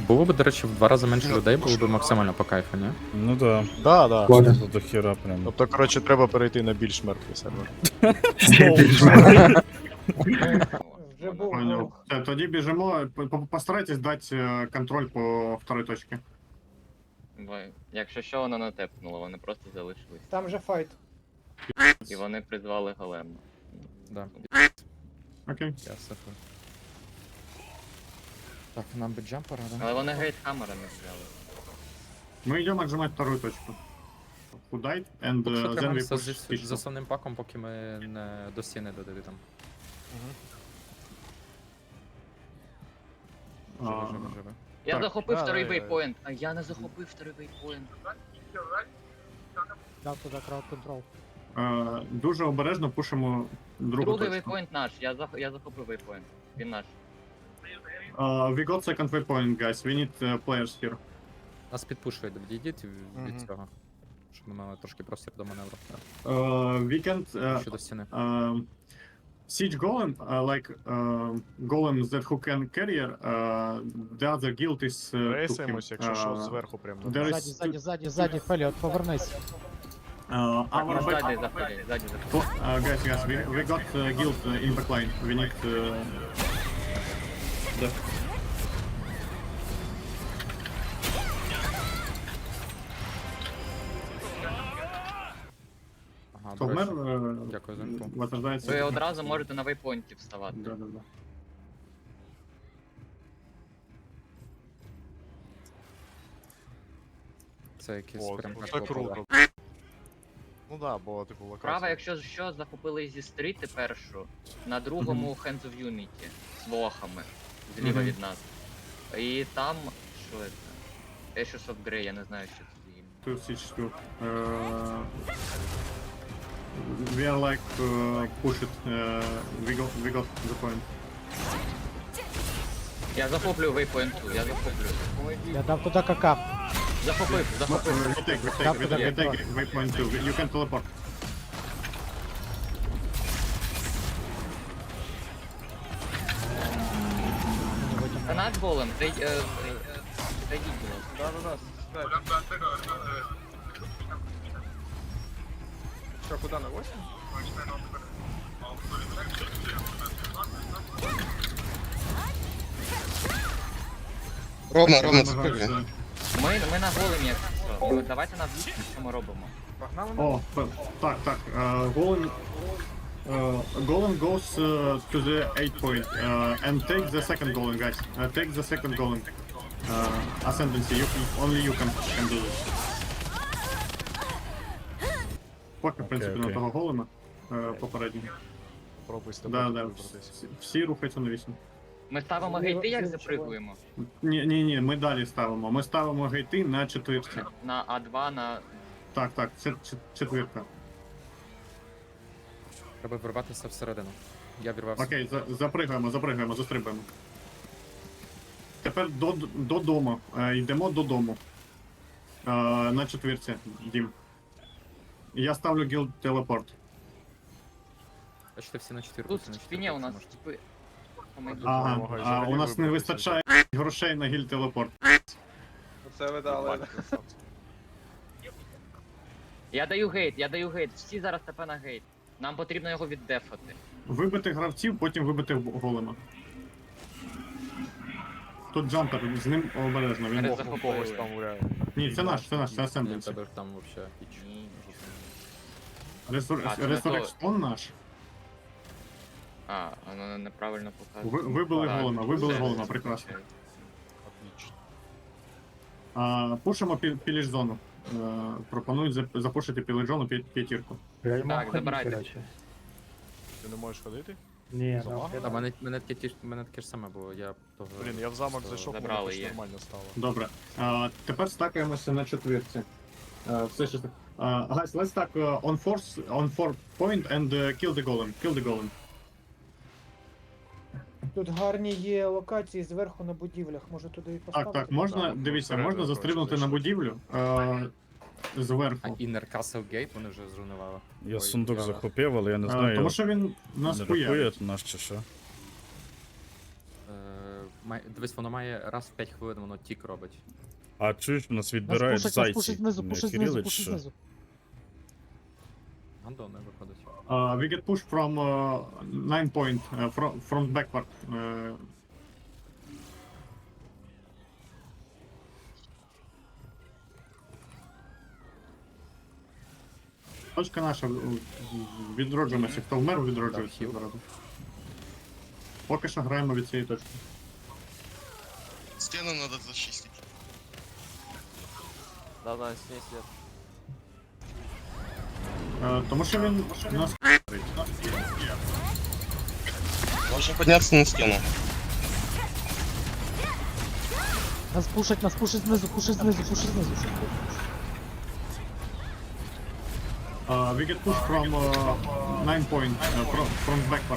Було б, до речі, в 2 рази менше людей, було б максимально по кайфу, ні? Ну да. Да, да. Ладно. Тут до хіра прям. Тобто, коротше, треба перейти на більш мертвий сервер. Вже був Понял. ворог. Тоді біжимо, постарайтесь дати контроль по второй точці. Якщо що, воно не тепнуло, вони просто залишились. Там же файт. І вони призвали голема. Да. Окей. Я сифую. Так, нам би джампера, да? Але вони гейтхаммера не взяли. Ми йдемо отжимати вторую точку. Худайт, and Поки що then we тримаємося push з stitch. основним паком, поки ми не до стіни додали там. А, Живе. Я Так, захопив да, второй да, вейпоінт, а я не захопив второй вейпоінт. Дав туди крауд контрол. Дуже обережно пушимо другу Другий точку. вейпоінт наш, я захопив вейпоінт. Він наш. We got second waypoint, guys. We need players here. Нас підпушують, відійдіть від Мгм. цього. Щоб ми мали трошки простір до маневру. We can't... Ще до стіни. Siege Golem, like golems that who can carrier, the other guild is took him. Рейсаємось, якщо що, зверху прям. there is Ззаді, Феліот, повернись. our back... Ззаді заходять. Guys, we got guild in backline. We need the... Ага, Хто до вмер? речі. Дякую за інфу. Возрождається. Ви одразу можете на вейпоінті вставати. Да. Це якийсь О, прям це так круто. Ну да, бо типу локація. Права, якщо що, захопили зі стріти першу, на другому Hands of Unity з лохами, зліва Мгм. від нас. І там, що це? Ashes of Grey, я не знаю, що це за ім'я. 2 siege 2. We are like push it. We got the point. Я захоплюю вейпоінту, я захоплюю. Я дав туди КК. Захопив. We take waypoint 2. You can teleport. Це наш голем, зайдіть, будь ласка. Що, куди на 8? Рома, Намагаємося. запрыгни. Ми на големі, якщо що. Ну, давайте на звідси, що ми робимо. Погнали на О, так. Golem. Golem goes to the 8 point and take the second golem, guys. Take the second golem. Ascendancy. Only you can do this. Поки, в принципі, на окей. того голема попереднього. Пробуй з тобою Да. вибратись. Всі рухаються на 8. Ми ставимо гейти, як запригуємо? Ні, ми далі ставимо. Ми ставимо гейти на четвірці. На А2, на... Так, четвірка. Треба вирватися всередину. Я вірвався. Окей, запригуємо, застрибуємо. Тепер додому. Йдемо додому. На четвірці, Дім. Я ставлю гілд телепорт. Бачите, всі на 4. Тут в спині у нас типи... Ага, допомагає взагалі у нас не вибратися. вистачає грошей на гілд телепорт. Оце ви дали. Я даю гейт, всі зараз ТП на гейт. Нам потрібно його віддефати. Вибити гравців, потім вибити голема. Тут джампер, з ним обережно. Він... Перед Бог у когось там гуляє. Ні, це наш, це Ні, Ascendancy. тебе там вообще піч. Ні. А, це Resurrection наш. А, воно неправильно показує. Вибили Так, вибили все, голема, все, прекрасно. все. Отлично. Пушимо піліж зону. Пропонують запушити піліж зону п'ятірку. Так, забирайте. Ти не можеш ходити? Ні, Залагано? А мене таке ж саме було, я того... Блін, я в замок зайшов, Забрали воно її. якось нормально стало. Добре. Тепер стакаємося на четвірці. Все ще. Guys, let's stack on 4 point and kill the golem. Kill the golem. Тут гарні є локації зверху на будівлях, може туди і поставити. Так, можна, Так, дивіться, всередину, можна коротше, застрибнути на зайшли. будівлю А зверху. Inner Castle Gate вони вже зруйнували. Я Ой, сундук я- захопив, але я не знаю, Тому що він нас не хує. рахує наш чи що. Дивись, воно має раз в 5 хвилин, воно тік робить. А чуєш, у нас Нас відбирають пушить зайці. знизу, Не пушить знизу, Кирилич, пушить що? знизу. Гандон не виходить. We get pushed from 9 point, from backward. Точка наша, відроджуємося. Хто вмер, відроджується. Так, хіл. зараз. Поки що граємо від цієї точки. Стену надо зачистить. Тому що він нас Можно подняться на стену. Нас пушить знизу, пушить знизу, пушить знизу. we get pushed from 9 point, from backward.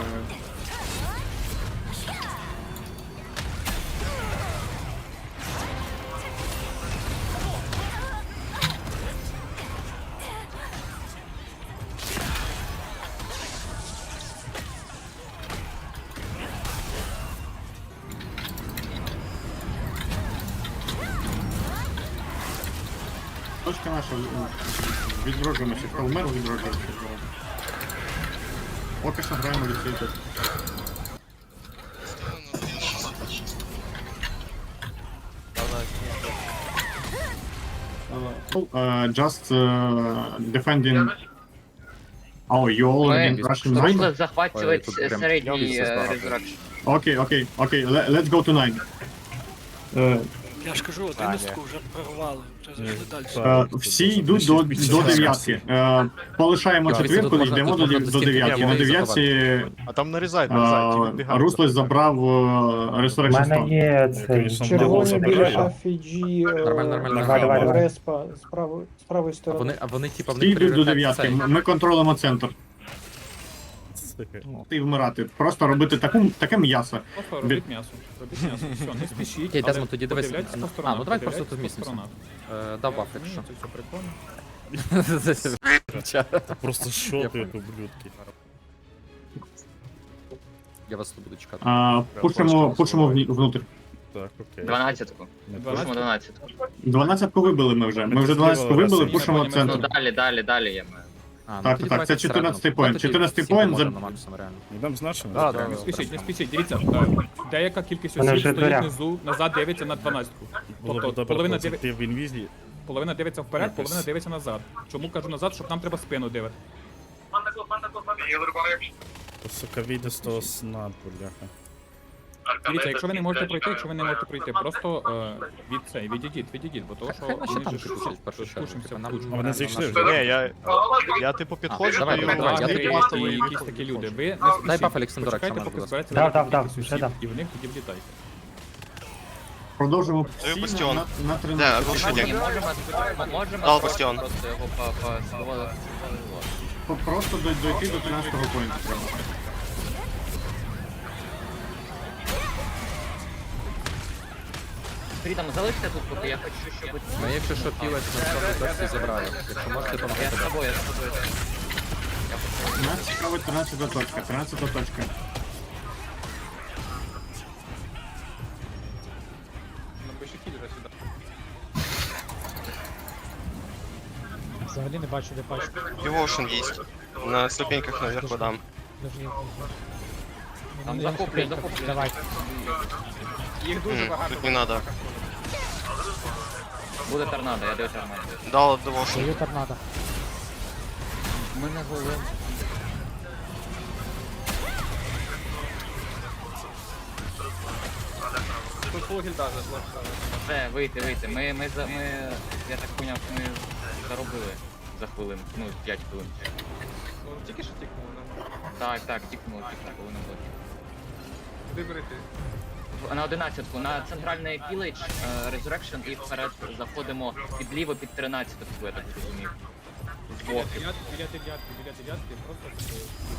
Точка наша, відроджуємося. Хто вмер, відроджуємося. Поки що граємо від цієї точки. Just defending. Oh, you already rushing Ми 9? захватувати Ой, тут прям середній після збагато. Resurrection. Okay, let's go to 9. Я ж кажу, 11-ку вже прорвали, вже зайшли далі. Всі йдуть до 9. Полишаємо Дивіться, четвірку, тут можна- йдемо тут до можна до 9. стінки На можна 9 А там нарізають, ті відбігають. Руслес забрав Resurrection Stone. Є Конечно, червоні забираю. біля AFG, Нормально. нормально. Респа з правої А сторони. вони типа, в Всі них йдуть до пріоритет 9. цей. Ми контролюємо центр. І вмирати. Просто робити таке м'ясо. Просто робіть м'ясо. Робіть м'ясо. Все, не спішіть. Окей, але Дезмонд, тоді дивись. подивляйтесь по А, сторонах, ну давай просто подивляйтесь тут по місцемося. сторонах. Дав баф, Ні, якщо. це все прикольно. Просто шот, як ублюдки. Я вас тут буду чекати. Пушимо внутрь. Так, окей. 12-ку. Не Пушимо 12-ку. 12-ку вибили ми вже. Ми вже 12-ку вибили, пушимо Ну центр. далі я маю. Так, тоді так, це давайте 14-й всередину. поінт. Давайте 14-й всі поінт поможемо за- на максимум, реально. Йдемо значно? Не спішіть, дивіться. Деяка кількість Вони осіб вже в стоїть дверях. внизу, назад дивиться на 12-ку. Було б Тобто добре половина пройти в інвізі. половина дивиться вперед, Якось. половина дивиться назад. Чому кажу назад, щоб нам треба спину дивити. То, сука, вийде з того сна, бляха. Дивіться, якщо ви не можете пройти, просто відійдіть, бо того, що Хай наші вони танки ж пушать в першу чергу. пушимося Типа, в нам кучу. А вони зайшли вже? Ні, я типу підходжу, давай, даю давай, я лагері тобі і просто і просто якісь такі люди. Ви не Дай спішіть. баф Олександру, Почекайте, якщо поки можна, збереться Дав, велика дав, кількість вже осіб, дав. і в них тоді влітайте. Продовжимо Даю всі бастіон. на Да, 13. глушитель. Ні, можемо Дал бастіон. просто його Просто дойти до 13-го поінту. Фрідом, залиште тут, поки я хочу, щоб... Ми, якщо що, пілець на точці забрали. Якщо можете, Я помогти. з тобою. Нас цікавить 13-та точка. 13-та точка. Напиши киллера сюда. Взагалі не бачу, де пачку. Devotion есть. На ступеньках наверху дам. Там захоплюй. Давай. Их тут не надо. Буде торнадо, я даю торнадо. Дал Devotion. Даю торнадо. Ми не голим. Тут full гильда зашла. Все, вийти. Я так поняв, ми заробили за хвилину, 5 хвилин. Ну, тільки що тікнуло, Так, тікнуло, хвилину було. Куди берете? На 11-ку, на центральний пілейдж, Resurrection і вперед заходимо підліво під 13-ку, я так зрозумів. Збоку. Біля дев'ятки, просто...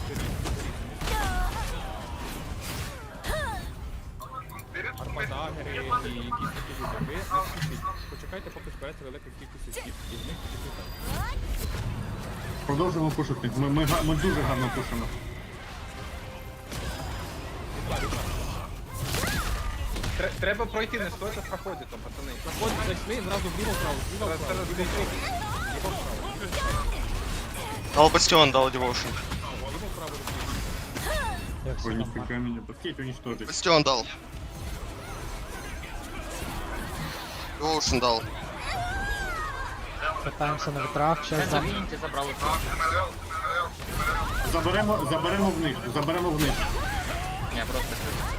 Армадагери і якісь такі люди. Ви не спішіть. Почекайте, поки збереться велика кількість осіб, і в них тоді влітайте. Продовжуємо пушити. Ми дуже гарно пушимо. Треба пройти, не стойте в проході там, пацани. Заходь, зайшли, зразу вліво вправо, вліво Зараз вправо, зараз вліво буде вправо, вліво вправо, Дал бастион, дал девошн. вліво вправо. Низко камень. Успейте уничтожить. Бастион дал. Девошн дал. Катаємося на вітрах, Це час за Вінті забрали. Заберемо вниз. Ні, просто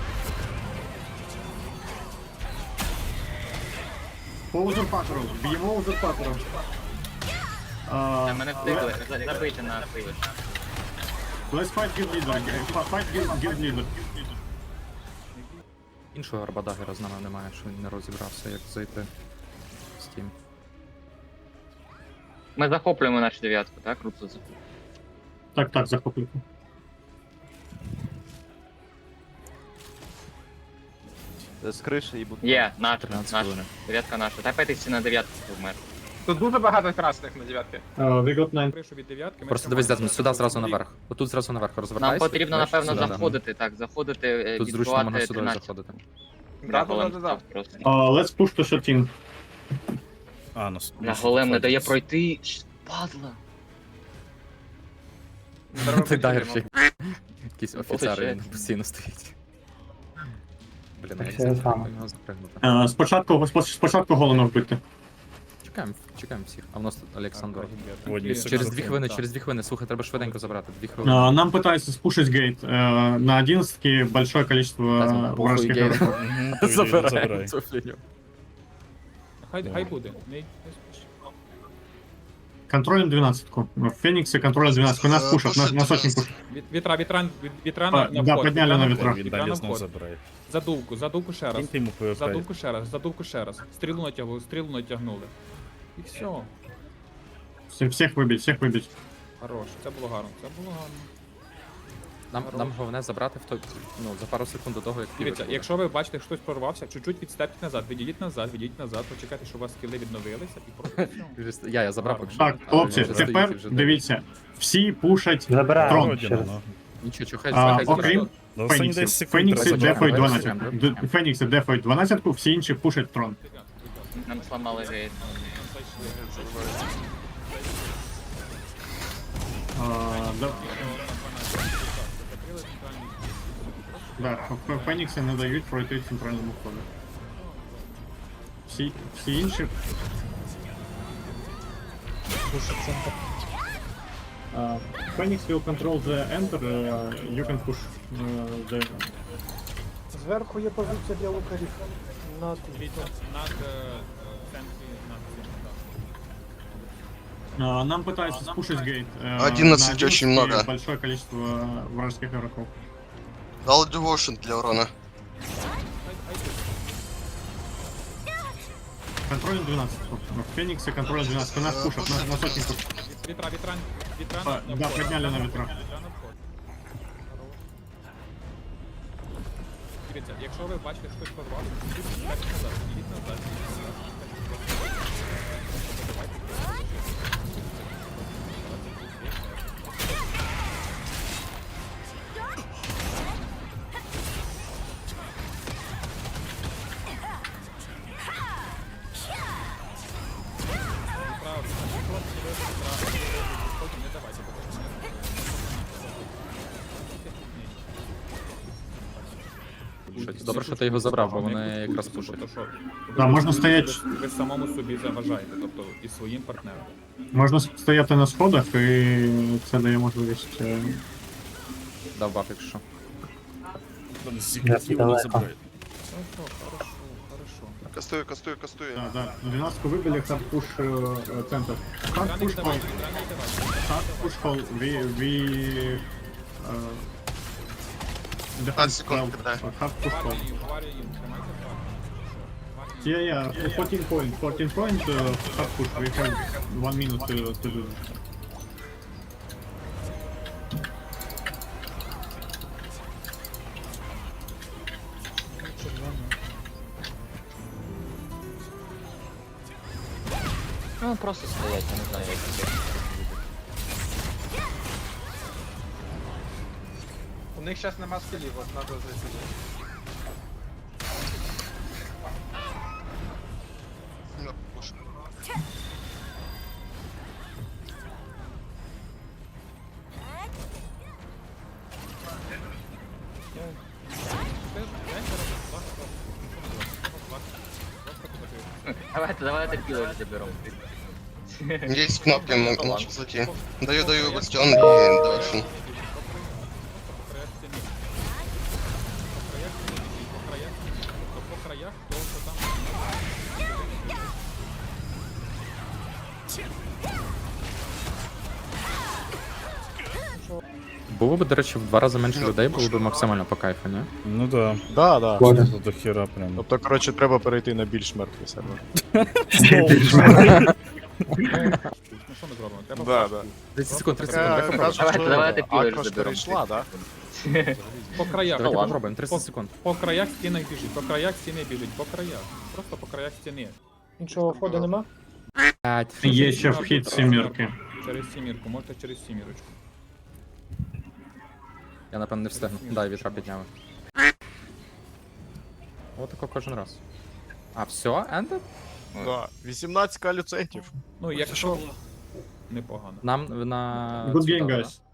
По узурпатору. Б'ємо узурпатору. мене втикли, забити на філіш. Let's fight guild leader. Fight guild leader. Іншого арбадагера з нами немає, що він не розібрався, як зайти з тим. Ми захоплюємо нашу дев'ятку, так? Круто захоплюємо. Так, захоплюйте. З криші і будь. Є, наша, 13 наша. хвилин. Дев'ятка наша. Тапайтеся на дев'ятку, вмер. Тут дуже багато красних на дев'ятки. We got 9. Кришу від дев'ятки. ми Просто дивись, тримаємо. Дезмон, сюди зразу наверх. Отут зразу наверх Нам розвертайся. потрібно, бачиш, напевно, сюди, да. заходити, так, заходити, Тут зручно можна відбивати сюди 13. заходити. Да. Просто. Let's push to 13. А, ну... На голем не дає пройти. Падла. Ти дагер ще. Якийсь офіцер Получається. він постійно стоїть. Блін, а як Це це саме. його запригнути? Спочатку голено вбити. Чекаємо всіх. А в нас тут Олександр. Одні Через 2 хвилини, Так. через 2 хвилини. Слухай, треба швиденько забрати. 2 хвилини. Нам пытаются спушить гейт. На 11 большое количество Дезмон, похуй, вражеских гейт. игроков. Забираємо цю фігню. Хай буде. Не спіши. Контролем 12-ку. В Фениксе контролем 12-ку. Нас пушат, на сотни пушат. Вітра на Да, вход. підняли на вітра. Він Вітра на далі знов вход. забирає. Задувку ще раз. Киньте йому ПВП. Задувку ще раз. Стрілу натягнули. І все. Всех выбить. Хорош. Це було гарно. Нам головне забрати в той, ну, за пару секунд до того, як Дивіться, півик буде. якщо ви бачите, що хтось прорвався, чуть-чуть відстепіть назад, відійдіть назад, почекайте, щоб у вас скіли відновилися і просто все. Я забрав поки що. Так, Але хлопці, він вже стоїть і тепер вже дивіться. Всі пушать Забираємо. трон. Ще раз. Нічого, чухай, Окрім Ну, останні 10 Феніксів. секунд. Фенікси треба дефають давай, 12. давай. Фенікси дефають 12-ку, всі інші пушать трон. Нам сламали гейт. Да, Фенікси не дають пройти центральному входу. Всі інші Пушить центр. Phoenix will control the enter, you can push the... Зверху є позиція для лукарів. На Дивіться, над центрі, над цим, Нам пытаются спушить гейт. 11 очень много. Большое количество вражеских игроков. Дал девошн для урона. Контроль 12. Фениксы контроль 12. Нас пушат, на сотни пушат. Вітра Да, на вход. подняли на ветра. Вітра на вход. Дивіться, якщо ви бачите, що хтось прорвався, відійдіть назад, відійдіть назад. Добре, що ти його забрав, бо вони якраз пушать. Да, можна стояти. Ви самому собі заважаєте, тобто і своїм партнерам. Можна стояти на сходах, і це дає можливість. Дав баф, якщо. Зігнатів не забирає. Хорошо. Кастую. Да. 12-ку вибили, hard push центр. Hard push hall. Hard push hall. We 15 секунд, когда. Hard push hall. Варя їм, тримайте факт. Yeah, 14 point, hard push. We have 1 minute to do this. Ну, просто стоять, я не знаю, як це. У них зараз нема скілів, от надо зайти. Давайте пілейдж заберемо. Есть кнопки, можешь зайти. Даю бастион и Devotion. По краях, то що там. Було б, до речі, в 2 рази менше людей, було б максимально по кайфу, ні? Ну да. Да, да. До хіра прям. Тобто, коротше, треба перейти на більш мертвий сервер. Ну що ми зробимо? Треба Да, да. 30 секунд, 30 Е, секунд, давай попробуємо. кажуть, Давайте що пілейдж Акрош заберемо. перейшла, да? по краях. Давайте ладно. попробуємо, 30 секунд. По краях стіни біжить, по краях стіни біжить, по краях. Просто по краях стіни. Іншого ходу нема? Є ще вхід сімірки. Через сімірку, можете через сімірочку. Я напевно не встигну. Дай, вітра підняли. Отако кожен раз. А, все, ендед? Да. 18 люцентів. Ну, Це що якщо було? непогано. Нам на... Good цю game, дали, guys.